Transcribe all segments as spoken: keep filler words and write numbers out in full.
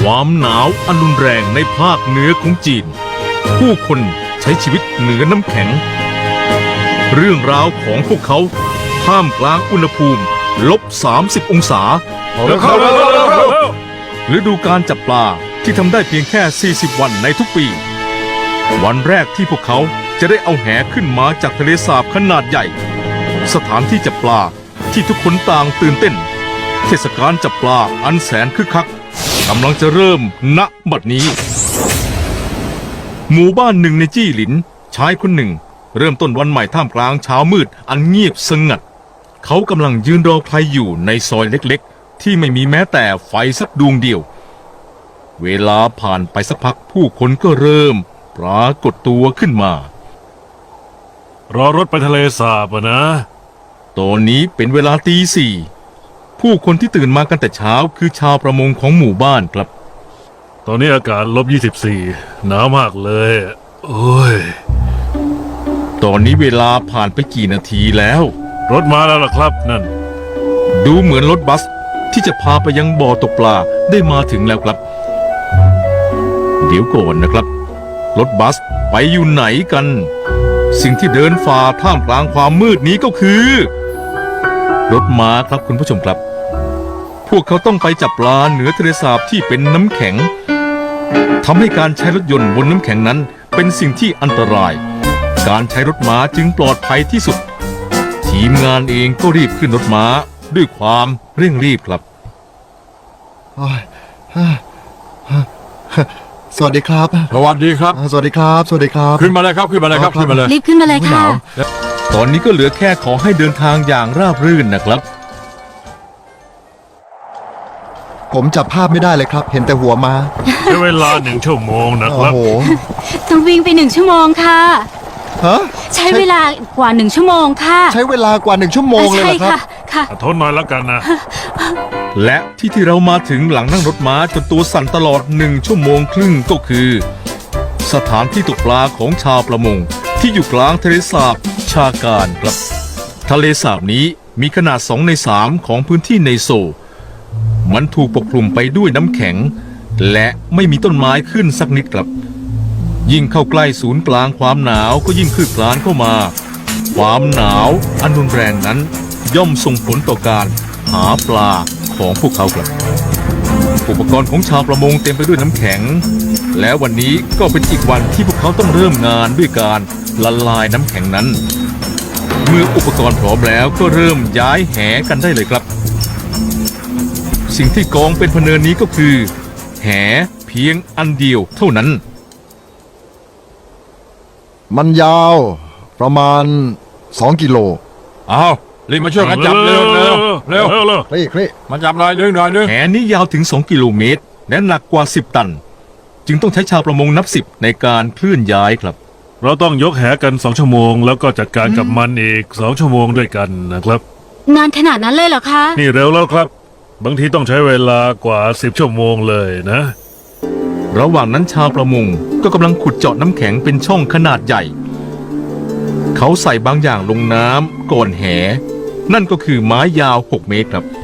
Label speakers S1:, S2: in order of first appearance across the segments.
S1: ความหนาวอันรุนแรงในภาคเหนือของจีนผู้คนใช้ชีวิตเหนือน้ำแข็งเรื่องราวของพวกเขาท่ามกลางอุณหภูมิลบสามสิบองศาฤดูการจับปลาที่ทำได้เพียงแค่สี่สิบวันในทุกปีวันแรกที่พวกเขาจะได้เอาแหขึ้นมาจากทะเลสาบขนาดใหญ่สถานที่จับปลาที่ทุกคนต่างตื่นเต้นเทศกาลจับปลาอันแสนคึกคักกำลังจะเริ่มณบัดนี้หมู่บ้านหนึ่งในจี้หลินชายคนหนึ่งเริ่มต้นวันใหม่ท่ามกลางเช้ามืดอันเงียบสงัดเขากำลังยืนรอใครอยู่ในซอยเล็กๆที่ไม่มีแม้แต่ไฟสักดวงเดียวเวลาผ่านไปสักพักผู้คนก็เริ่มปรากฏตัวขึ้นมารอรถไปทะเลสาบนะตอนนี้เป็นเวลาตีสี่ผู้คนที่ตื่นมากันแต่เช้าคือชาวประมงของหมู่บ้านครับตอนนี้อากาศลบยี่สิบสี่หนาวมากเลยโอ้ยตอนนี้เวลาผ่านไปกี่นาทีแล้วรถมาแล้วล่ะครับนั่นดูเหมือนรถบัสที่จะพาไปยังบ่อตกปลาได้มาถึงแล้วครับเดี๋ยวก่อนนะครับรถบัสไปอยู่ไหนกันสิ่งที่เดินฝ่าท่ามกลางความมืดนี้ก็คือรถม้าครับคุณผู้ชมครับพวกเขาต้องไปจับปลาเหนือทะเลสาบที่เป็นน้ำแข็งทำให้การใช้รถยนต์บนน้ำแข็งนั้นเป็นสิ่งที่อันตรายการใช้รถม้าจึงปลอดภัยที่สุดทีมงานเองก็รีบขึ้นรถม้าด้วยความเร่งรีบครับ
S2: สวัสดีครับ
S3: สวัสดีครับ
S2: สวัสดีครับสวัสดีครับ
S3: ขึ้นมาเลยครับขึ้นมาเลยครับขึ้นมาเลย
S4: รีบขึ้นมาเลยค่ะ
S1: ตอนนี้ก็เหลือแค่ขอให้เดินทางอย่างราบรื่นนะครับ
S2: ผมจับภาพไม่ได้เลยครับเห็นแต่หัวมา
S3: ใช้เวลาหนึ่งชั่วโมงนะครับ
S2: โอ้โห
S4: ต้องวิ่งไปหนึ่งชั่วโมงค่ะ
S2: ฮะ
S4: ใช้เวลากว่าหนึ่งชั่วโมงค่ะ
S2: ใช้เวลากว่าหนึ่งชั่วโมงเลยเหรอครับ
S4: ค่ะ
S3: ทนหน่อยแล้วกันนะ
S1: และที่ที่เรามาถึงหลังนั่งรถม้าจนตัวสั่นตลอดหนึ่งชั่วโมงครึ่งก็คือสถานที่ตกปลาของชาวประมงที่อยู่กลางทะเลสาบชาการครับทะเลสาบนี้มีขนาดสองในสามของพื้นที่ในโซมันถูกปกคลุมไปด้วยน้ำแข็งและไม่มีต้นไม้ขึ้นสักนิดครับยิ่งเข้าใกล้ศูนย์กลางความหนาวก็ยิ่งคืบคลานเข้ามาความหนาวอันรุนแรงนั้นย่อมส่งผลต่อการหาปลาของพวกเขาครับอุปกรณ์ของชาวประมงเต็มไปด้วยน้ำแข็งและวันนี้ก็เป็นอีกวันที่พวกเขาต้องเริ่มงานด้วยการละลายน้ำแข็งนั้นเมื่ออุปกรณ์พร้อมแล้วก็เริ่มย้ายแหกันได้เลยครับสิ่งที่กองเป็นพเนินนี้ก็คือแหเพียงอันเดียวเท่านั้น
S2: มันยาวประมาณสองกิโล
S3: อ้าวรีบมาช่วยกันจับเร็วเร็วเร็วเร็ว
S2: คลี่คลี่
S3: มาจับหน่อยนึงหน่อยนึง
S1: แหนี้ยาวถึงสองกิโลเมตรและหนักกว่าสิบตันจึงต้องใช้ชาวประมงนับสิบในการเคลื่อนย้ายครับ
S3: เราต้องยกแหกันสองชั่วโมงแล้วก็จัดการกับมันอีกสองชั่วโมงด้วยกันนะครับ
S4: งานขนาดนั้นเลยเหรอคะ
S3: นี่เร็วแล้วครับบางทีต้องใช้เวลากว่าสิบชั่วโมงเลยนะ
S1: ระหว่างนั้นชาวประมงก็กำลังขุดเจาะน้ำแข็งเป็นช่องขนาดใหญ่เขาใส่บางอย่างลงน้ำก่อนแหนั่นก็คือไม้ยาวหกเมตรครับ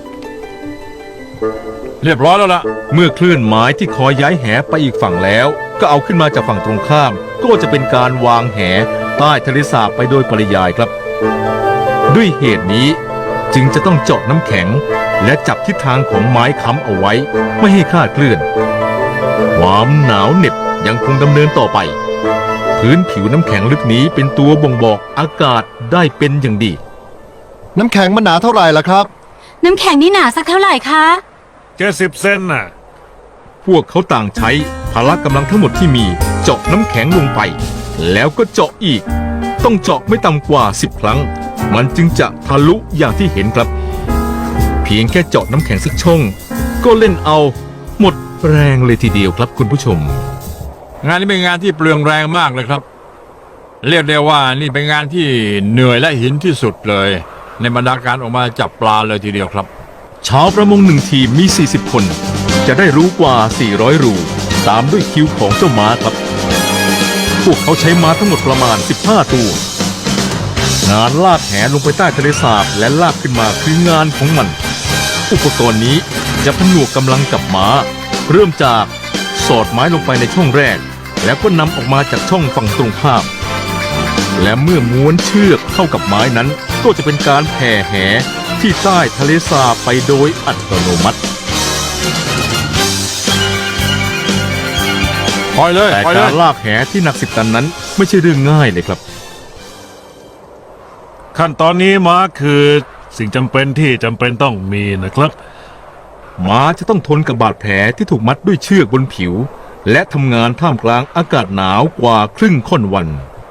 S3: เรียบร้อยแล้วล่ะ
S1: เมื่อเคลื่อนไม้ที่คอยย้ายแหไปอีกฝั่งแล้วก็เอาขึ้นมาจากฝั่งตรงข้ามก็จะเป็นการวางแหใต้ทะเลสาบไปโดยปริยายครับด้วยเหตุนี้จึงจะต้องเจาะน้ำแข็งและจับทิศทางของไม้ค้ำเอาไว้ไม่ให้คลาดเคลื่อนความหนาวเหน็บยังคงดำเนินต่อไปพื้นผิวน้ำแข็งลึกนี้เป็นตัวบ่งบอกอากาศได้เป็นอย่างดี
S2: น้ำแข็งมันหนาเท่าไหร่ล่ะครับ
S4: น้ำแข็งนี่หนาสักเท่าไหร่คะ
S3: แค่สิบเซนน่ะ
S1: พวกเขาต่างใช้พละกำลังทั้งหมดที่มีเจาะน้ำแข็งลงไปแล้วก็เจาะอีกต้องเจาะไม่ต่ำกว่าสิบครั้งมันจึงจะทะลุอย่างที่เห็นครับเพียงแค่เจาะน้ำแข็งสักช่องก็เล่นเอาหมดแรงเลยทีเดียวครับคุณผู้ชม
S3: งานนี้เป็นงานที่เปลืองแรงมากเลยครับเรียกได้ว่านี่เป็นงานที่เหนื่อยและหินที่สุดเลยในบรรดาการออกมาจับปลาเลยทีเดียวครับ
S1: ชาวประมงหนึ่งทีมมีสี่สิบคนจะได้รู้กว่าสี่ร้อยรูตามด้วยคิวของเจ้าม้าครับพวกเขาใช้ม้าทั้งหมดประมาณสิบห้าตัวงานลากแหลงไปใต้ทะเลสาบและลากขึ้นมาคืองานของมันอุปกรณ์นี้จะผนวกกำลังกับม้าเริ่มจากสอดไม้ลงไปในช่องแรก แล้วก็นำออกมาจากช่องฝั่งตรงข้าม และเมื่อม้วนเชือกเข้ากับไม้นั้น ก็จะเป็นการแผ่แหที่ใต้ทะเลสาบไปโดยอัตโนมัติ
S3: ปล่อยเลย
S1: แต่
S3: ปล่อยเล
S1: กาย รลากแหที่หนักสิบตันนั้นไม่ใช่เรื่องง่ายเลยครับ
S5: ขั้นตอนนี้ม้าคือสิ่งจำเป็นที่จำเป็นต้องมีนะครับ
S1: ม้าจะต้องทนกับบาดแผลที่ถูกมัดด้วยเชือกบนผิว และทำงานท่ามกลางอากาศหนาวกว่าครึ่งค่อนวัน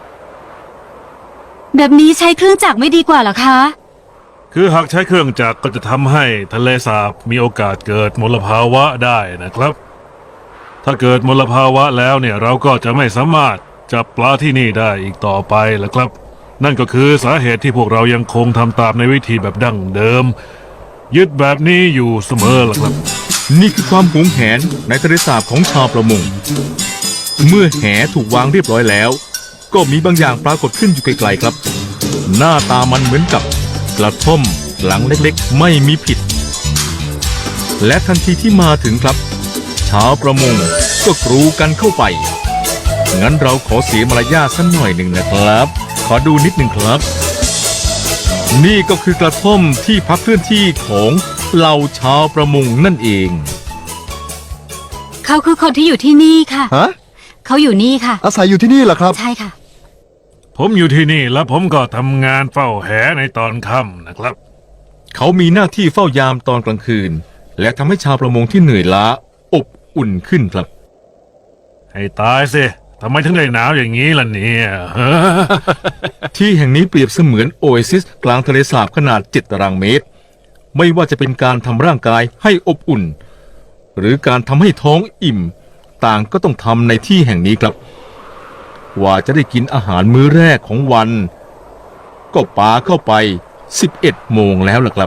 S4: แบบนี้ใช้เครื่องจักรไม่ดีกว่าเหรอคะ
S5: คือหากใช้เครื่องจักรก็จะทำให้ทะเลสาบมีโอกาสเกิดมลภาวะได้นะครับ ถ้าเกิดมลภาวะแล้วเนี่ยเราก็จะไม่สามารถจับปลาที่นี่ได้อีกต่อไปแล้วครับ นั่นก็คือสาเหตุที่พวกเรายังคงทำตามในวิธีแบบดั้งเดิม ยึดแบบนี้อยู่เสมอล่ะครับ
S1: นี่คือความหวงแหนในทะเลสาบของชาวประมง เมื่อแหถูกวางเรียบร้อยแล้ว ก็มีบางอย่างปรากฏขึ้นอยู่ไกลๆครับ หน้าตามันเหมือนกับกระท่อมหลังเล็กๆไม่มีผิด และทันทีที่มาถึงครับ ชาวประมงก็กรูกันเข้าไป งั้นเราขอเสียมารยาทสักหน่อยหนึ่งนะครับ ขอดูนิดหนึ่งครับ นี่ก็คือกระท่อมที่พักเคลื่อนที่ของเหล่าชาวประมงนั่นเอง
S4: เขาคือคนที่อยู่ที่นี่ค่ะ
S2: ฮะ
S4: เขาอยู่นี่ค่ะ
S2: อาศัยอยู่ที่นี่เหรอครับ
S4: ใช่ค่ะ
S5: ผมอยู่ที่นี่แล้วผมก็ทำงานเฝ้าแหในตอนค่ำนะครับ
S1: เขามีหน้าที่เฝ้ายามตอนกลางคืน และทำให้ชาวประมงที่เหนื่อยล้าอบอุ่นขึ้นครับ
S5: ให้ตายสิทำไมถึงได้หนาวอย่างนี้ล่ะเนี่ย
S1: ที่แห่งนี้เปรียบเสมือนโอเอซิสกลางทะเลสาบขนาดเจ็ดตารางเมตร ไม่ว่าจะเป็นการทำร่างกายให้อบอุ่น หรือการทำให้ท้องอิ่ม ต่างก็ต้องทำในที่แห่งนี้ครับกว่าจะได้กินอาหารมื้อแรกของวัน ก็ปาเข้าไปสิบเอ็ดโมงแล้วล่ะครับ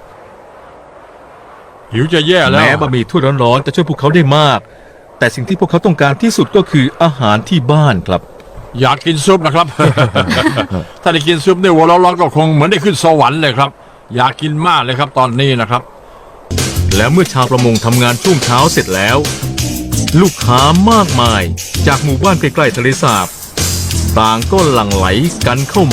S3: หิวจะแย่แล้ว
S1: แม้บะหมี่ถ้วยร้อนๆจะช่วยพวกเขาได้มาก แต่สิ่งที่พวกเขาต้องการที่สุดก็คืออาหารที่บ้านครับ
S3: อยากกินซุปนะครับ ถ้าได้กินซุปในหัวร้อนๆก็คงเหมือนได้ขึ้นสวรรค์เลยครับ อยากกินมากเลยครับตอนนี้นะครับ
S1: และเมื่อชาวประมงทำงานช่วงเช้าเสร็จแล้ว ลูกค้ามากมายจากหมู่บ้านใกล้ๆทะเลสาบ ต่างก็หลั่งไหลกันเข้ามา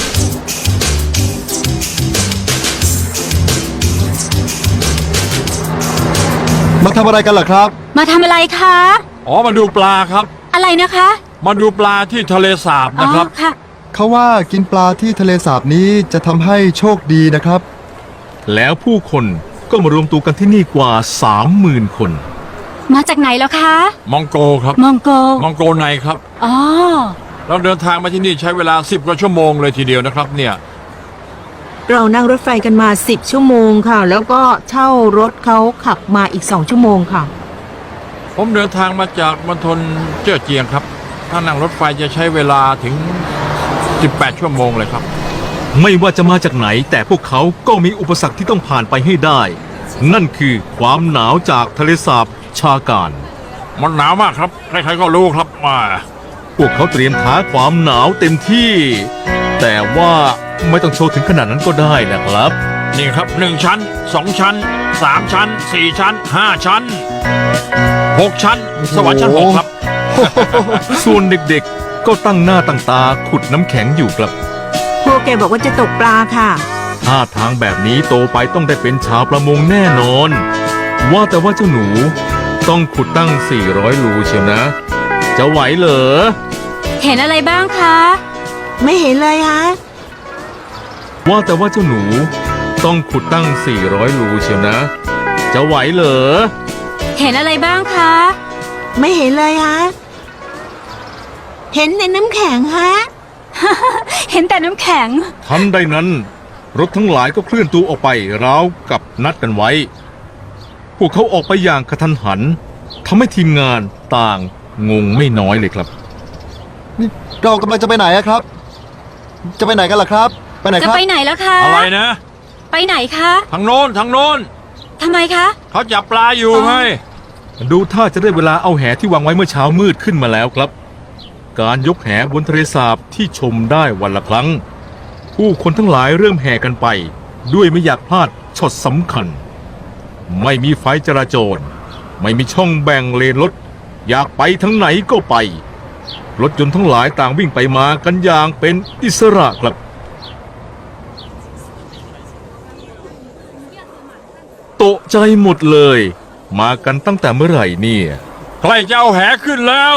S2: มาทำอะไรกันล่ะครับ
S4: มาทำอะไรคะ
S3: อ๋อมาดูปลาครับ
S4: อะไรนะคะ
S3: มาดูปลาที่ทะเลสาบ
S4: อ๋อ
S3: นะครับ
S4: ค่ะ
S2: เขาว่ากินปลาที่ทะเลสาบนี้จะทำให้โชคดีนะครับ
S1: แล้วผู้คนก็มารวมตัวกันที่นี่กว่าสามหมื่นคน
S4: มาจากไหนแล้วคะ
S3: มองโกครับ
S4: มองโก
S3: มองโกในครับ
S4: อ๋อ
S3: เราเดินทางมาที่นี่ใช้เวลาสิบกว่าชั่วโมงเลยทีเดียวนะครับเนี่ย
S6: เรานั่งรถไฟกันมาสิบชั่วโมงค่ะ แล้วก็เช่ารถเขาขับมาอีกสองชั่วโมงค่ะ
S3: ผมเดินทางมาจากมณฑลเจ้อเจียงครับ ถ้านั่งรถไฟจะใช้เวลาถึงสิบแปดชั่วโมงเลยครับ
S1: ไม่ว่าจะมาจากไหนแต่พวกเขาก็มีอุปสรรคที่ต้องผ่านไปให้ได้ นั่นคือความหนาวจากทะเลสาบชาการ
S3: มันหนาวมากครับ ใครๆก็รู้ครับมา
S1: พวกเขาเตรียมท้าความหนาวเต็มที่ แต่ว่าไม่ต้องโชว์ถึงขนาดนั้นก็ได้นะครับ
S3: นี่ครับหนึ่งชั้นสองชั้นสามชั้นสี่ชั้นห้าชั้นหกชั้น สวรรค์ชั้นหกครับ
S1: ส่วนเด็กๆก็ตั้งหน้าตั้งตาขุดน้ำแข็งอยู่ครับ
S6: พวกแกบอกว่าจะตกปลาค่ะ
S1: ท่าทางแบบนี้โตไปต้องได้เป็นชาวประมงแน่นอน ว่าแต่ว่าเจ้าหนูต้องขุดตั้งสี่ร้อยรูเชียวนะ จะไหวเหรอ
S4: เห็นอะไรบ้างคะ
S6: ไม่เห็นเลยฮะ
S1: ว่าแต่ว่าเจ้าหนูต้องขุดตั้งสี่ร้อยรูเชียวนะ จะไหวเหรอ
S4: เห็นอะไรบ้างคะ
S6: ไม่เห็นเลยฮะ เห็นในน้ำแข็งฮะ
S4: เห็นแต่น้ำแข็ง
S1: ทันใดนั้น รถทั้งหลายก็เคลื่อนตัวออกไปราวกับนัดกันไว้ พวกเขาออกไปอย่างกระทันหันทำให้ทีมงานต่างงงไม่น้อยเลยครับ
S2: นี่เรากำลังจะไปไหนอะครับ จะไปไหนกันล่ะครับ ไปไหน
S4: จะ
S2: ครับ
S4: ไปไหนแล้วคะ
S3: อะไรนะ
S4: ไปไหนคะ
S3: ทางโน้นทางโน้น
S4: ทำไมคะ
S3: เขาจับปลาอยู่ไง
S1: ดูท่าจะได้เวลาเอาแหที่วางไว้เมื่อเช้ามืดขึ้นมาแล้วครับ การยกแหบนทะเลสาบที่ชมได้วันละครั้ง ผู้คนทั้งหลายเริ่มแห่กันไป ด้วยไม่อยากพลาดช็อตสำคัญ ไม่มีไฟจราจรไม่มีช่องแบ่งเลนรถอยากไปทั้งไหนก็ไปรถยนต์ทั้งหลายต่างวิ่งไปมากันอย่างเป็นอิสระครับตกใจหมดเลย มากันตั้งแต่เมื่อไหร่เนี่ย
S3: ใครจะเอาแหขึ้นแล้ว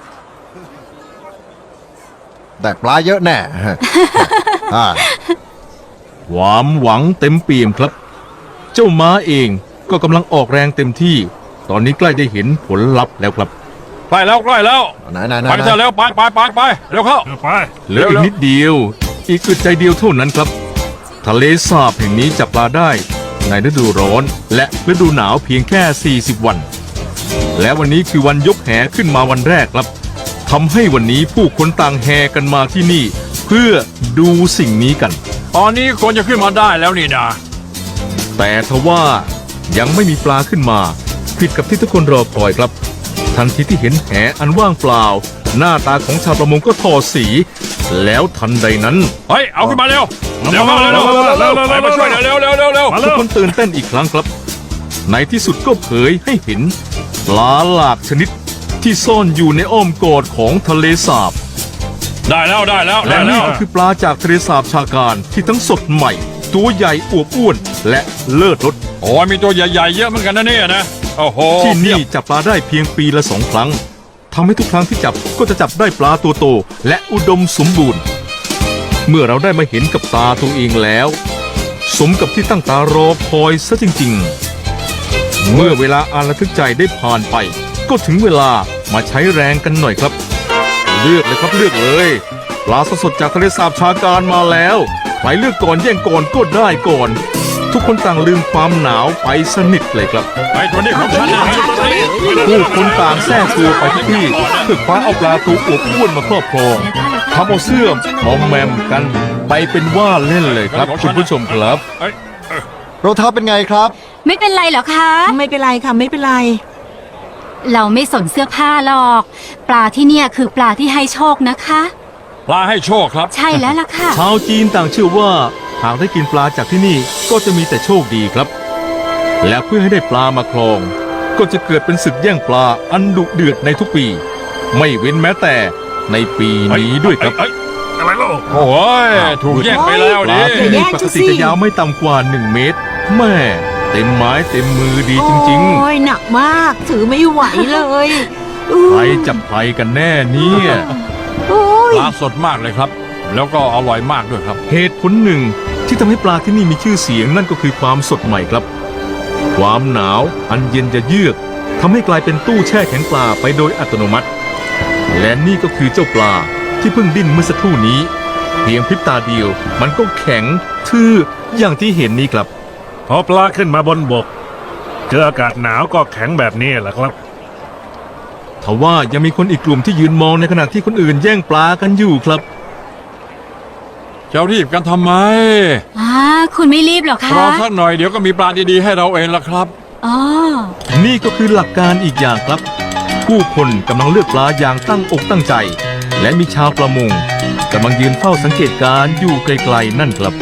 S2: แต่ปลาเยอะแน่ อ่า
S1: ความหวังเต็มเปี่ยมครับ เจ้าม้าเองก็กำลังออกแรงเต็มที่ ตอนนี้ใกล้ได้เห็นผลลัพธ์แล้วครับ
S3: ใกล้แล้วใกล้แล้ว
S2: ไหนไหนไหน
S3: ไปเถอะเร็วไปไปไปไปเร็วเข้า
S5: ไป
S1: เหลืออีกนิดเดียว อีกอึดใจเดียวเท่านั้นครับ ทะเลสาบแห่งนี้จับปลาได้ในฤดูร้อนและฤดูหนาวเพียงแค่ สี่สิบ วัน และวันนี้คือวันยกแหขึ้นมาวันแรกครับทำให้วันนี้ผู้คนต่างแห่กันมาที่นี่ เพื่อดูสิ่งนี้กัน
S3: ตอนนี้คนจะขึ้นมาได้แล้วนี่นะ
S1: แต่ทว่ายังไม่มีปลาขึ้นมา ผิดกับที่ทุกคนรอคอยครับ ทันทีที่เห็นแหอันว่างเปล่า หน้าตาของชาวประมงก็ทอสี แล้วทันใดนั้น
S3: เฮ้ยเอาขึ้นมาเร็วเร็วเข้าเร็วเร็วเร็วไปมาช่วยเร็วเร็วเร็วเร็ว
S5: มา
S1: ทุ
S5: เร็
S1: ก
S5: ว
S1: คนตื่นเต้นอีกครั้งครับ ในที่สุดก็เผยให้เห็นปลาหลากชนิดที่ซ่อนอยู่ในอ้อมกอดของทะเลสาบ
S3: ได้แล้วได้แล้ว
S1: และ
S3: ได้แล้
S1: นี่
S3: ว
S1: ก็คือปลาจากทะเลสาบชาการที่ทั้งสดใหม่ ตัวใหญ่อวบอ้วน และเลิศรส
S3: โอ้ยมีตัวใหญ่ๆเยอะเหมือนกันนะเนี่ยนะโอ้โห
S1: ที่นี่จับปลาได้เพียงปีละสองครั้งทำให้ทุกครั้งที่จับก็จะจับได้ปลาตัวโตและอุดมสมบูรณ์ เมื่อเราได้มาเห็นกับตาตัวเองแล้ว สมกับที่ตั้งตารอคอยซะจริงๆ เมื่อเวลาอันระทึกใจได้ผ่านไป ก็ถึงเวลามาใช้แรงกันหน่อยครับ เลือกเลยครับเลือกเลยปลาสดๆจากทะเลสาบชาการมาแล้วใครเลือกก่อนแย่งก่อนก็ได้ก่อน ทุกคนต่างลืมความหนาวไปสนิทเลยครับ
S3: ไอ้ตัวนี้ของฉันเนี่ย
S1: ผู้คนต่างแทรกตัวไปทุกที่เพื่อคว้าเอาปลาตัวอวบอ้วนมาครอบครองทำเอาเสื้อมมอมแมมกันไปเป็นว่าเล่นเลยครับคุณผู้ชมครับ
S3: เอ้ย
S2: รองเท้าเป็นไงครับ
S4: ไม่เป็นไรเหรอคะ
S6: ไม่เป็นไรค่ะไม่เป็นไร
S4: เราไม่สนเสื้อผ้าหรอก ปลาที่เนี่ยคือปลาที่ให้โชคนะคะ
S3: ปลาให้โชคครับ
S4: ใช่แล้วล่ะค่ะ
S1: ชาวจีนต่างเชื่อว่าหากได้กินปลาจากที่นี่ก็จะมีแต่โชคดีครับ และเพื่อให้ได้ปลามาครอง ก็จะเกิดเป็นศึกแย่งปลาอันดุเดือดในทุกปี ไม่เว้นแม้แต่ในปีนี้ด้วยครับ
S5: เอ้ยอะไรล่ะ
S3: โอ้ยถูกแย่งไปแล้ว
S1: ป
S3: ดิ
S1: ลาที่
S6: แย่
S1: นี่
S6: ง
S1: ป
S6: จั
S1: ก
S6: งสิ
S1: ติจะยาวไม่ต่ำกว่าหนึ่งเมตรแม่เต็มไม้เต็มมือดีจริง
S6: โอ้ยหนักมากถือไม่ไหวเลย
S1: ๆใครจับใครกันแน่เนี่ย
S6: โอ้ย
S3: ปลาสดมากเลยครับ แล้วก็อร่อยมากด้วยครับ
S1: เหตุผลหนึ่งที่ทำให้ปลาที่นี่มีชื่อเสียงนั่นก็คือความสดใหม่ครับ ความหนาวอันเย็นจะเยือกทำให้กลายเป็นตู้แช่แข็งปลาไปโดยอัตโนมัติ และนี่ก็คือเจ้าปลาที่เพิ่งดิ้นเมื่อสักครู่นี้ เพียงพริบตาเดียวมันก็แข็งทื่ออย่างที่เห็นนี้ครับ
S5: พอปลาขึ้นมาบนบก เจออากาศหนาวก็แข็งแบบนี้แหละครับ
S1: ทว่ายังมีคนอีกกลุ่มที่ยืนมองในขณะที่คนอื่นแย่งปลากันอยู่ครับ
S3: จะรีบกันทำไม
S4: อ่า คุณไม่รีบเหรอคะ
S3: รอสักหน่อยเดี๋ยวก็มีปลาดีๆให้เราเองละครับ
S4: อ๋อ
S1: นี่ก็คือหลักการอีกอย่างครับ ผู้คนกำลังเลือกปลาอย่างตั้งอกตั้งใจ และมีชาวประมงกำลังยืนเฝ้าสังเกตการณ์อยู่ไกลๆนั่นครับ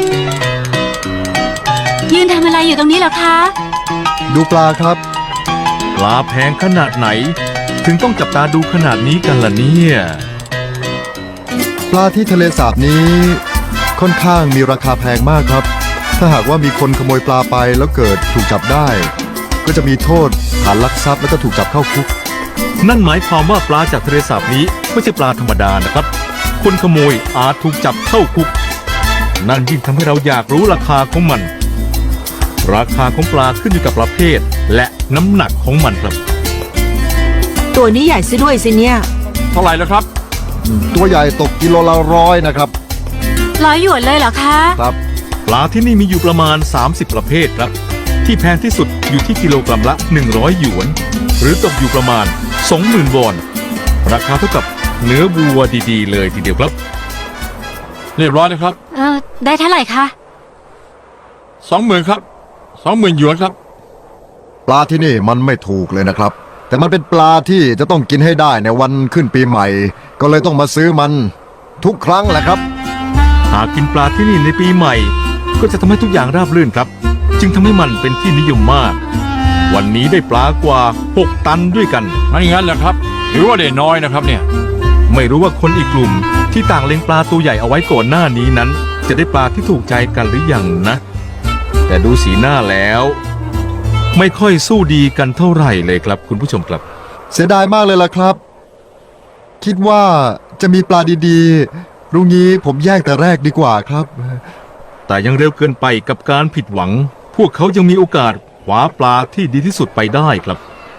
S4: ยืนทำอะไรอยู่ตรงนี้เหรอคะ
S2: ดูปลาครับ
S1: ปลาแพงขนาดไหน ถึงต้องจับตาดูขนาดนี้กันล่ะเนี่ย
S2: ปลาที่ทะเลสาบนี้ ค่อนข้างมีราคาแพงมากครับ ถ้าหากว่ามีคนขโมยปลาไปแล้วเกิดถูกจับได้ ก็จะมีโทษฐานลักทรัพย์แล้วก็ถูกจับเข้าคุก
S1: นั่นหมายความว่าปลาจากทะเลสาบนี้ไม่ใช่ปลาธรรมดานะครับ คนขโมยอาจถูกจับเข้าคุก นั่นยิ่งทำให้เราอยากรู้ราคาของมัน ราคาของปลาขึ้นอยู่กับประเภท และน้ำหนักของมันครับ
S6: ตัวนี้ใหญ่ซะด้วยสิเนี่ย
S3: เท่าไหร่แล้วครับ
S2: ตัวใหญ่ตกกิโลละร้อยนะครับ
S4: ร้อยหยวนเลยเหรอคะ
S2: ครับ
S1: ปลาที่นี่มีอยู่ประมาณ สามสิบ ประเภทครับ ที่แพงที่สุดอยู่ที่กิโลกรัมละ หนึ่งร้อย หยวน หรือตกอยู่ประมาณ สองหมื่น วอน ราคาเท่ากับเนื้อวัวดีๆ เลยทีเดียวครับ
S3: เรียบร้อยนะครับ
S4: เออ ได้เท่าไหร่คะ
S3: สองหมื่นครับสองหมื่นหยวนครับ
S2: ปลาที่นี่มันไม่ถูกเลยนะครับ แต่มันเป็นปลาที่จะต้องกินให้ได้ในวันขึ้นปีใหม่ ก็เลยต้องมาซื้อมันทุกครั้งแหละครับ
S1: หากกินปลาที่นี่ในปีใหม่ ก็จะทำให้ทุกอย่างราบรื่นครับ จึงทำให้มันเป็นที่นิยมมากวันนี้ได้ปลากว่าหกตันด้วยกัน
S3: ไม่งั้นเหรอครับหรือว่าได้น้อยนะครับเนี่ย
S1: ไม่รู้ว่าคนอีกกลุ่มที่ต่างเล็งปลาตัวใหญ่เอาไว้ก่อนหน้านี้นั้น จะได้ปลาที่ถูกใจกันหรือยังนะ แต่ดูสีหน้าแล้ว ไม่ค่อยสู้ดีกันเท่าไหร่เลยครับคุณผู้ชมครับ
S2: เสียดายมากเลยล่ะครับ คิดว่าจะมีปลาดีๆรุ่งนี้ผมแยกแต่แรกดีกว่าครับ
S1: แต่ยังเร็วเกินไปกับการผิดหวัง พวกเขายังมีโอกาสคว้าปลาที่ดีที่สุดไปได้ครับ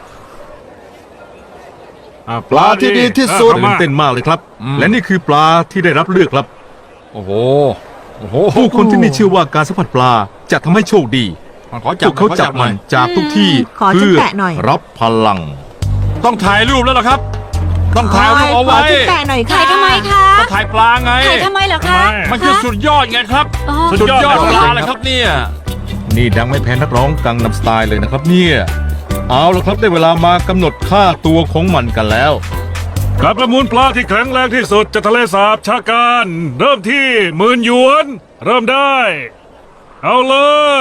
S5: อ่ะ
S2: ปลาที่ดีที่สุด
S5: อ่ะ
S1: ตื่นเต้นมากเลยครับ และนี่คือปลาที่ได้รับเลือกครับ
S3: โอ้โหโอ้โห
S1: ผู้คนที่นี่เชื่อว่าการสัมผัสปลาจะทำให้โชคดี
S3: ขอ
S1: พ
S3: จับ
S1: วกเขาจับมันจากทุกที่
S6: ขอฉัน
S1: เพื่อ
S6: แตะหน่อย
S1: รับพลัง
S3: ต้องถ่ายรูปแล้วล่ะครับ ต้องถ่ายรูปเอาไว้
S6: ขฉันแตะหน่อยค่ะ
S4: ถ่ายทำไมคะ
S3: ต้องถ่ายปลาไง
S4: ถ่ายทำไมเหรอคะ
S3: มันคือสุดยอดไงครับ
S4: อ๋อ
S3: สุดยอดปลาเลยครับเนี่ย
S1: นี่ดังไม่แพ้นักร้องกังนำสไตล์เลยนะครับเนี่ยเอาละครับได้เวลามากำหนดค่าตัวของมันกันแล้ว
S5: การประมูลปลาที่แข็งแรงที่สุดจากทะเลสาบชาการ เริ่มที่หมื่นหยวน เริ่มได้ เอาเลย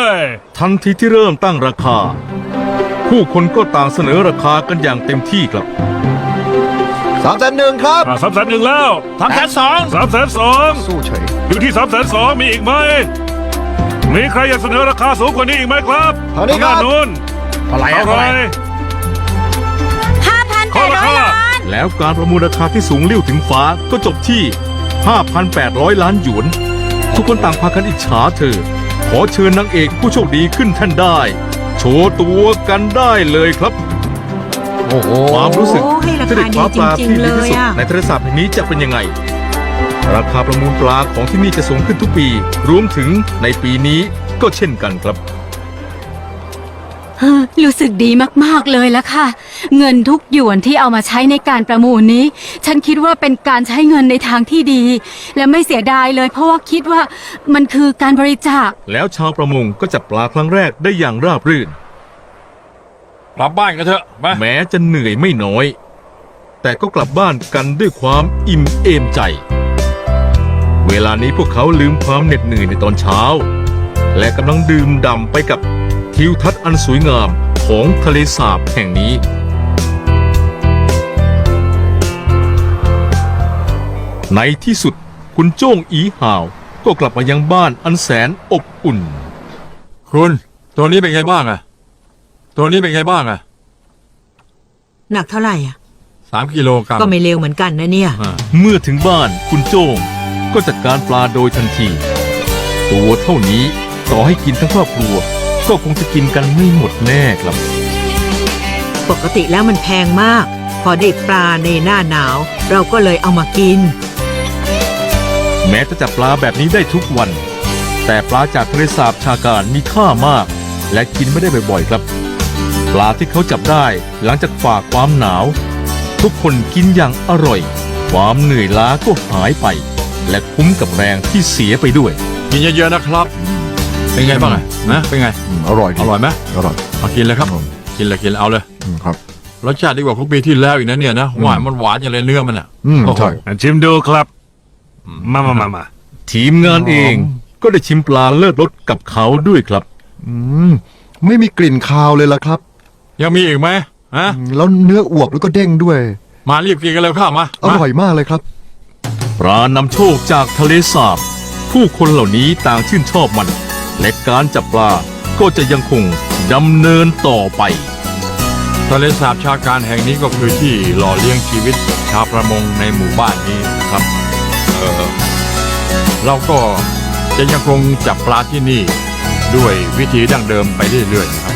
S1: ทันทีที่เริ่มตั้งราคา ผู้คนก็ต่างเสนอราคากันอย่างเต็มที่ครับ
S2: สามแสนหนึ่งครับ
S5: สามแสนหนึ่งแล้ว
S3: สามแสนสอง
S5: สามแสนสอง
S2: สู้เฉย
S5: อยู่ที่สามแสนสองมีอีกไหม มีใครอยากเสนอราคาสูงกว่านี้อีกไหมครับ
S2: เท่านี้ครับ
S5: ทงด้านนู้น
S3: อะไร
S5: เท่า
S3: อะ
S5: ไหร
S4: ห้าพัน
S5: ข
S4: แป
S5: อ
S4: ด
S5: รา
S4: ร้อย
S5: คา
S4: ล้าน
S1: แล้วการประมูลราคาที่สูงเลี้ยวถึงฟ้าก็จบที่ ห้าพันแปดร้อย ล้านหยวน ทุกคนต่างพากันอิจฉาเธอ ขอเชิญนางเอกผู้โชคดีขึ้นแท่นได้ โชว์ตัวกันได้เลยครับ
S3: โอ้โห
S1: ความรู้สึก
S6: โอ้ให้รา
S1: ที่ได้
S6: คา
S1: คว้า
S6: ดี
S1: ป
S6: จ
S1: ลา
S6: ริง ๆ เลย
S1: ที่ดีที่สุด
S6: อ่ะ
S1: ในทะเลสาบแห่งนี้จะเป็นยังไง ราคาประมูลปลาของที่นี่จะสูงขึ้นทุกปี รวมถึงในปีนี้ก็เช่นกันครับ
S4: เฮ้อรู้สึกดีมากๆเลยละค่ะ เงินทุกหยวนที่เอามาใช้ในการประมูลนี้ ฉันคิดว่าเป็นการใช้เงินในทางที่ดี และไม่เสียดายเลย เพราะว่าคิดว่ามันคือการบริจาค
S1: แล้วชาวประมงก็จับปลาครั้งแรกได้อย่างราบรื่น
S3: กลับบ้านกันเถอะไป
S1: แม้จะเหนื่อยไม่น้อย แต่ก็กลับบ้านกันด้วยความอิ่มเอมใจ เวลานี้พวกเขาลืมความเหน็ดเหนื่อยในตอนเช้า และกำลังดื่มด่ำไปกับทิวทัศน์อันสวยงามของทะเลสาบแห่งนี้ ในที่สุดคุณโจ้งอีห่าว ก็กลับมายังบ้านอันแสนอบอุ่น
S3: คุณตัวนี้เป็นไงบ้างอะตัวนี้เป็นไงบ้างอะ
S6: หนักเท่าไหร่อ่ะ
S3: สามกิโลกรัม
S6: ก็ไม่เร็วเหมือนกันนะเนี่ย
S3: อ่า
S1: เมื่อถึงบ้านคุณโจ้งก็จัดการปลาโดยทันที ตัวเท่านี้ต่อให้กินทั้งครอบครัว ก็คงจะกินกันไม่หมดแน่ครับ
S6: ปกติแล้วมันแพงมาก พอได้ปลาในหน้าหนาว เราก็เลยเอามากิน
S1: แม้จะจับปลาแบบนี้ได้ทุกวัน แต่ปลาจากทะเลสาบชาการมีค่ามาก และกินไม่ได้บ่อยๆครับ ปลาที่เขาจับได้หลังจากฝ่าความหนาว ทุกคนกินอย่างอร่อย ความเหนื่อยล้าก็หายไป และคุ้มกับแรงที่เสียไปด้วย
S3: กินเยอะๆนะครับ เป็นไงบ้างอะนะเป็นไง
S2: อร่อย
S3: อร่อยไหม
S2: อร่อย
S3: เอากินเลยครับ กินเลยกินเลยเอาเลย
S2: ครับ
S3: รสชาติดีกว่าของปีที่แล้วอีกนะเนี่ยนะหวานมันหวานอย่างเลยเนื้อมันอ่ะ
S2: อืม
S3: โอ้โห
S2: ใช่
S5: อ่ะชิมดูครับ มามามามา
S1: ทีมงานเองก็ได้ชิมปลาเลิศรสกับเขาด้วยครับ
S2: อืมไม่มีกลิ่นคาวเลยล่ะครับ
S3: ยังมีอีกไหมฮะ
S2: อืมแล้วเนื้ออวบแล้วก็เด้งด้วย
S3: มารีบกินกันเลยข้าวมา
S2: อร่อยมากเลยครับ
S1: ปลานำโชคจากทะเลสาบ ผู้คนเหล่านี้ต่างชื่นชอบมัน และการจับปลาก็จะยังคงดำเนินต่อไป
S3: ทะเลสาบชาการแห่งนี้ก็คือที่หล่อเลี้ยงชีวิตชาวประมงในหมู่บ้านนี้นะครับเออเราก็จะยังคงจับปลาที่นี่ด้วยวิธีดั้งเดิมไปเรื่อยๆนะครับ